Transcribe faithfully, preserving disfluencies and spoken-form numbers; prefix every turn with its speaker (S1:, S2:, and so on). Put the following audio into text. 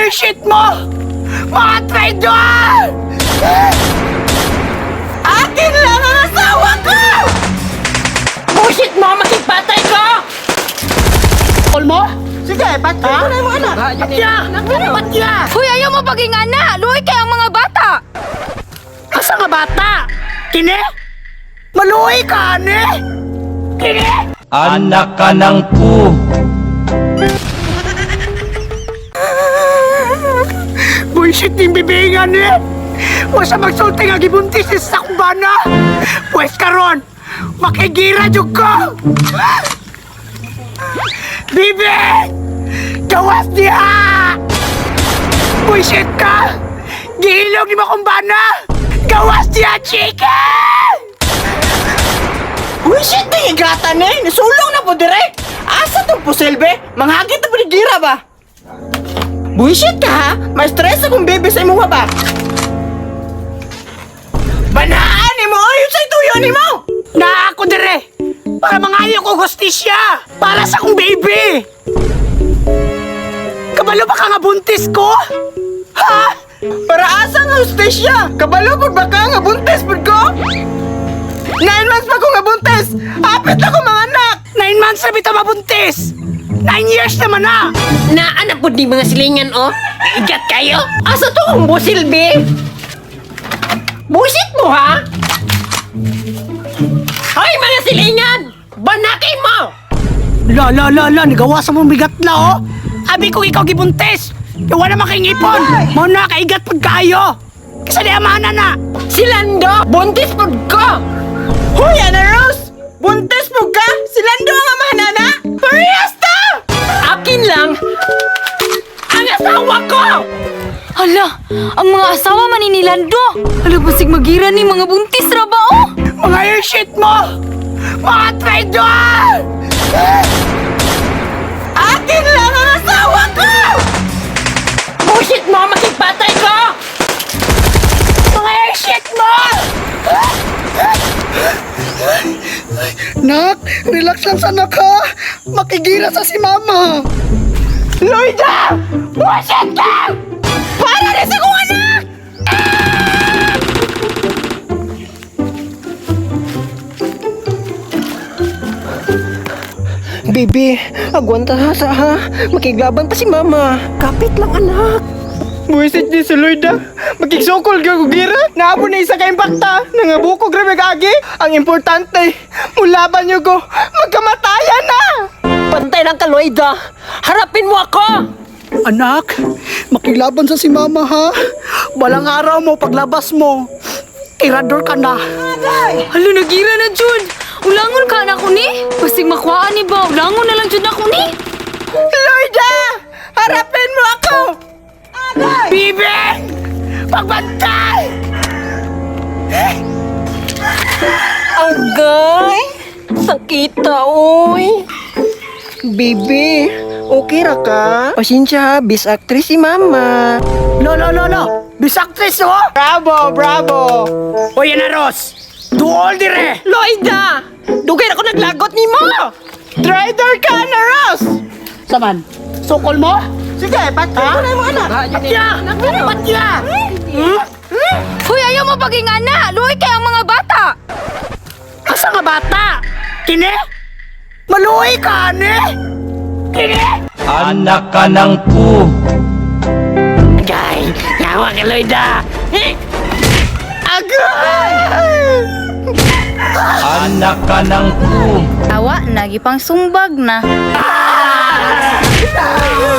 S1: Bullshit mo! Mga traidor! Akin lang ang asawa ko! Bullshit mo! Makipatay ko! All mo? Sige, pati mo na yung anak. Patya! Patya!
S2: Hoy, ayaw mo paging ana! Luhay kay ang mga bata!
S1: Asa nga bata? Kine? Maluhay ka, ane? Kine?
S3: Anak ka ng pu.
S1: Bullshit yung bibingan eh! Huwag sa magsulti nga gibuntis sa sakbana! Pwes karon, makigira jud ko! Bibi! Gawas niya! Bullshit ka! Gihilog ni makumbana! Gawas niya, chicken! Bullshit na yung gata na eh! Nasulong na po direk! Asa tong pusilbe? Manghagit na po ni gira ba? Bullshit ka ha? May stress akong bebe sa imuha ba? Banaan ni mo! Ayun sa ituyo ni mo! Na ako dire! Para mangayo ko hostisya! Para sa akong baby! Kabalo ba ka nga buntis ko? Ha? Para asa nga hostisya? Kabalo ba ka nga buntis po ko? Nine months pa ko nga buntis! Hapit ako mga anak! Nine months na bita mabuntis! Nine years naman na!
S4: Naanak po di mga silingan, oh. Igat kayo. Asa to ang busil, be? Busit mo, ha? Hoy, mga silingan! Banakin mo!
S1: La la la la, nagawa sa mong bigat la, oh! Abi ko ikaw gibuntis! Iwan naman kayong ipon! Muna, kaigat pag kayo! Kasi di amana na!
S4: Silando! Buntis po ko!
S1: Hoy, Ana Rose! Buntis mo ka? Silando ang amana na? Parehas ta!
S4: Akin lang ang asawa ko!
S2: Hala, ang mga asawa maninilando! Hala, basig magira ni mga buntis ra ba, oh?
S1: Mga yung shit mo! Mga traidor! Akin lang ang asawa ko!
S4: Bullshit mo! Makipatay ko!
S1: Mga yung shit mo! Nak, relax lang sana ka. Makigira sa si mama. Lloyda! Bullshit ka! Para rin sa kong anak!
S4: Bibi, agwanta ha sa ha. Makiglaban pa si mama. Kapit lang, anak.
S1: Buisit ni si Lloyda. Makigsukol ka kugira. Naabo na isa ka impakta. Nangabuko grabe kagi. Ang importante, mulaban niyo ko. Magkamatayan na!
S4: Pantay lang ka, Lloyda. Harapin mo ako!
S1: Anak, makilaban sa si mama ha. Balang araw mo paglabas mo. Tirador ka na.
S2: Hala, nagira na, Jud! Ulangon ka na ko ni? Basig makuhaan ni ba? Ulangon na lang, Jud, na ko ni?
S1: Lloyda! Harapin mo ako! Bibi! Pagbantay!
S4: Agay! Sakita, oy! Bibi, okay ra ka? Pasensya ha, bis actress si mama.
S1: No, no, no, no! Bisaktres, oh! Bravo, bravo! O yan na, Ros! Duol dire!
S4: Lloyda! Dugay ako naglagot ni mo!
S1: Trader ka na, Ros! Saman, sukol mo? Sige, pati mo na yung anak. Patya! Patya! Hmm?
S2: Hoy, ayaw mo paging ana! Luhay kay ang mga bata!
S1: Asa nga bata? Kine? Maluhay ka, ane? Kine?
S3: Anak ka ng pu.
S4: Agay! Yawa ka, Lloyda!
S1: Agay!
S3: Anak ka ng pu.
S2: Tawa, nagipang sumbag na.
S1: Ah!